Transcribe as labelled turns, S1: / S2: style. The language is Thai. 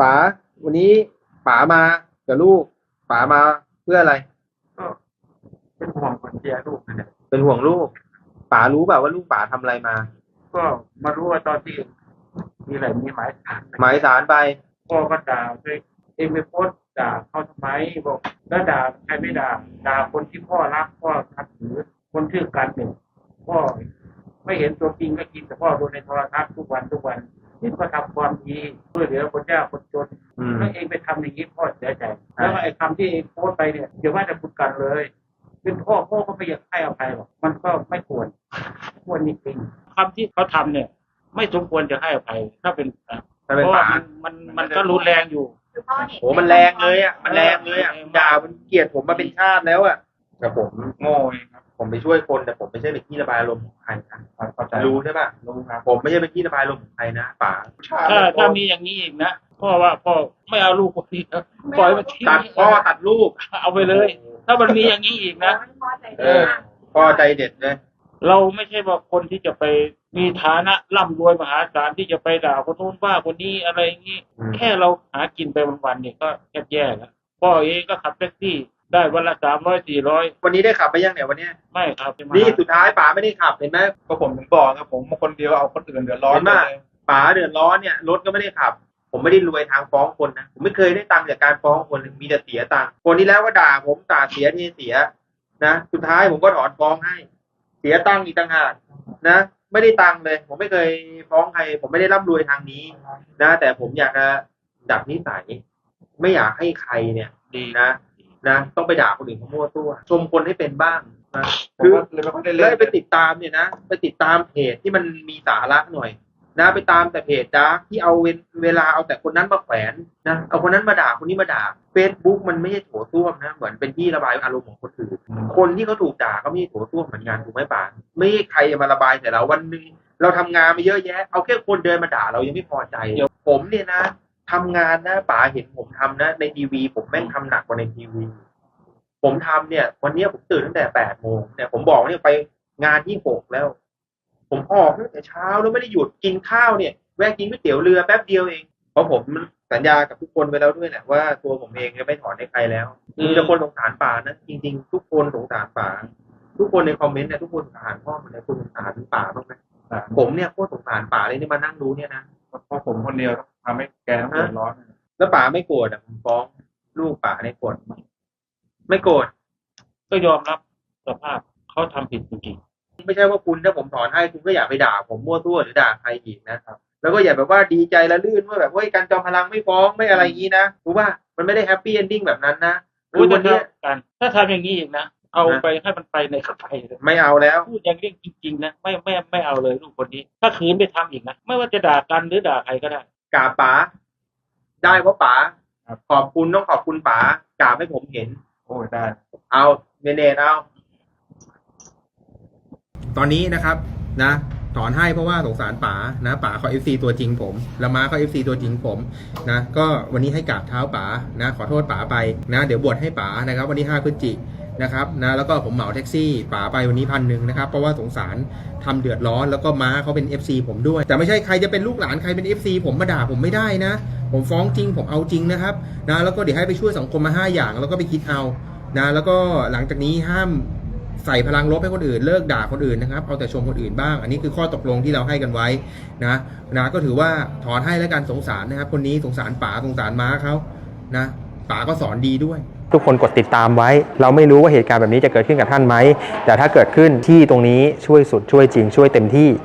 S1: ป๋าวันนี้ป๋ามากับลูกป๋ามาเพื่ออะไร
S2: ก็เป็นห่วงคนเชียร์ลูกนะเนี่ย
S1: เป็นห่วงลูกป๋ารู้เปล่าว่าลูกป๋าทำอะไรมา
S2: ก็มารู้ว่าตอนที่มีอะไรมีหมายสาร
S1: หมายสารไป
S2: พ่อก็ด่าไปโพสต์ด่าเขาทำไมบอกแล้วด่าใครไม่ด่าคนที่พ่อรักพ่อนับถือคนชื่อกันเนี่ยพ่อไม่เห็นตัวจริงก็กินแต่พ่อดูในโทรทัศน์ทุกวันนี่ก็ทำความดีช่วยเหลือคนยากคนจนแล้วเองไปทำอย่างนี้พ่อเสียใจแล้วไอ้คำที่เองโพสต์ไปเนี่ยเดี๋ยวว่าจะพูดกันเลยเป็นพ่อก็ไม่อยากให้อภัยหรอกมันก็ไม่ควรจริงๆคำที่เขาทำเนี่ยไม่สมควรจะให้อภัยถ้าเป็นเพราะว่ามันก็รุนแรงอยู่
S1: โอ้มันแรงเลยอ่ะมันแรงเลยอ่ะด่ามันเกลียดผมมาเป็นชาติแล้วอ่ะแต่ผมโง่เองครับผมไปช่วยคนแต่ผมไม่ใช่เป็นที่ระบายอารมณ์ของใครนะรู้ใช่ป่ะรู้ครับผมไม่ใช่เป็นที่ระบายอารมณ์ของใครนะป๋า
S2: ถ้ามีอย่างนี้อีกนะพ่อว่าพ่อไม่เอาลูกคนนี้นะปล่อยมันทิ้ง
S1: ตัดพ่อตัดลูก
S2: เอาไปเลยถ้ามันมีอย่างนี้อีกนะ
S1: พ่อใจเด็ดเลย
S2: เราไม่ใช่ว่าคนที่จะไปมีฐานะร่ำรวยมหาศาลที่จะไปด่าคนโน้นว่าคนนี้อะไรอย่างนี้แค่เราหากินไปวันๆเนี่ยก็แย่แล้วพ่อเองก็ขับแท็กซี่ได้วันละ300-400
S1: วันนี้ได้ขับไปยังเนี่ยวันนี้
S2: ไม่ครับ
S1: นี่สุดท้ายป๋าไม่ได้ขับเห็นไหม
S3: ก็ผมถึงบอกครับผมคนเดียวเอาคนอื่นเดือดร้อน
S1: มากป๋าเดือดร้อนเนี่ยรถก็ไม่ได้ขับผมไม่ได้รวยทางฟ้องคนนะผมไม่เคยได้ตังค์จากการฟ้องคนมีแต่เสียตังค์คนที่แล้วก็ด่าผมด่าเสียที่เสียนะสุดท้ายผมก็ถอนฟ้องให้เสียตังค์อีกต่างหากนะไม่ได้ตังค์เลยผมไม่เคยฟ้องใครผมไม่ได้ร่ำรวยทางนี้นะแต่ผมอยากจะดับนิสัยไม่อยากให้ใครเนี่ยดีนะต้องไปด่าคนอื่นเขามั่วตัวชมคนให้เป็นบ้างนะคือเลยไปติดตามเนี่ยนะไปติดตามเพจที่มันมีสาระหน่อยนะไปตามแต่เพจดาร์กที่เอาเวลาเอาแต่คนนั้นมาแขวนนะเอาคนนั้นมาด่าคนนี้มาด่า Facebook มันไม่ใช่โถส้วมนะเหมือนเป็นที่ระบายอารมณ์ของคนอื่นคนที่เขาถูกด่าก็ไม่ใช่โถส้วมเหมือนกันถูกไหมป่าไม่ใครจะมาระบายแต่เราวันนึงเราทำงานมาเยอะแยะเอาแค่คนเดินมาด่าเรายังไม่พอใจผมเนี่ยนะทำงานนะป๋าเห็นผมทำนะในทีวีผมแม่งทำหนักกว่าในทีวีผมทำเนี่ยวันนี้ผมตื่นตั้งแต่8 โมงเนี่ยผมบอกเนี่ยไปงานที่6แล้วผมออกตั้งแต่เช้าแล้วไม่ได้หยุดกินข้าวเนี่ยแวะกินก๋วยเตี๋ยวเรือแป๊บเดียวเองเพราะผมสัญญากับทุกคนไปแล้วด้วยแหละว่าตัวผมเองจะไม่ถอนให้ใครแล้วมีแต่คนสงสารป๋านะจริงๆทุกคนสงสารป๋าทุกคนในคอมเมนต์เนี่ยทุกคนสงสารพ่อมันเลยคุณสงสารป๋าบ้างไหมผมเนี่ยโคตรสงสารป๋าเลยนี่มานั่งดูเนี่ยนะ
S3: เพราะผมคนเดียวทำให้แกต้องเดือดร้อน
S1: แล้วป๋าไม่โกรธอ่ะผมฟ้องลูกป๋าเนี่ยโกรธไม่โกรธ
S2: ก็ยอมรับสภาพเขาทำผิดจริง
S1: ๆไม่ใช่ว่าคุณถ้าผมถอนให้คุณก็อย่าไปด่าผมมั่วตัวหรือด่าใครอีกนะครับแล้วก็อย่าแบบว่าดีใจละลื่นว่าแบบเฮ้ยการจอมพลังไม่ฟ้องไม่อะไรอย่างนี้นะรู้ป่ะมันไม่ได้แฮปปี้เอนดิ้งแบบนั้นนะ
S2: คือวันนี้กันถ้าทำอย่างนี้อีกนะเอาไปให้มันไปในเข้าไปเลย
S1: ไม่เอาแล้ว
S2: พูดอย่างเรื่องจริงๆนะไม่เอาเลยลูกคนนี้ถ้าคืนไปทำอีกนะไม่ว่าจะด่ากันหรือด่าใครก็ได้
S1: กราบป๋าได้เพราะป๋าขอบคุณต้องขอบคุณป๋ากราบให้ผมเห็น
S3: โอ้ได้
S1: เอาเนตเอาตอนนี้นะครับนะถอนให้เพราะว่าสงสารป๋านะป๋าเขา FC ตัวจริงผมแล้วม้าเขา FC ตัวจริงผมนะก็วันนี้ให้กราบเท้าป๋านะขอโทษป๋าไปนะเดี๋ยวบวชให้ป๋านะครับวันที่5 พฤศจิกายนนะครับนะแล้วก็ผมเหมาแท็กซี่ป๋าไปวันนี้1,000นะครับเพราะว่าสงสารทำเดือดร้อนแล้วก็ม้าเขาเป็น FC ผมด้วยแต่ไม่ใช่ใครจะเป็นลูกหลานใครเป็น FC ผมมาด่าผมไม่ได้นะผมฟ้องจริงผมเอาจริงนะครับนะแล้วก็เดี๋ยวให้ไปช่วยสังคมมา5 อย่างแล้วก็ไปคิดเอานะแล้วก็หลังจากนี้ห้ามใส่พลังลบให้คนอื่นเลิกด่าคนอื่นนะครับเอาแต่ชมคนอื่นบ้างอันนี้คือข้อตกลงที่เราให้กันไว้นะก็ถือว่าถอนให้แล้วกันสงสารนะครับคนนี้สงสารป๋าสงสารม้าเขานะป๋าก็สอนดีด้วย
S4: ทุกคนกดติดตามไว้เราไม่รู้ว่าเหตุการณ์แบบนี้จะเกิดขึ้นกับท่านไหมแต่ถ้าเกิดขึ้นที่ตรงนี้ช่วยสุดช่วยจริงช่วยเต็มที่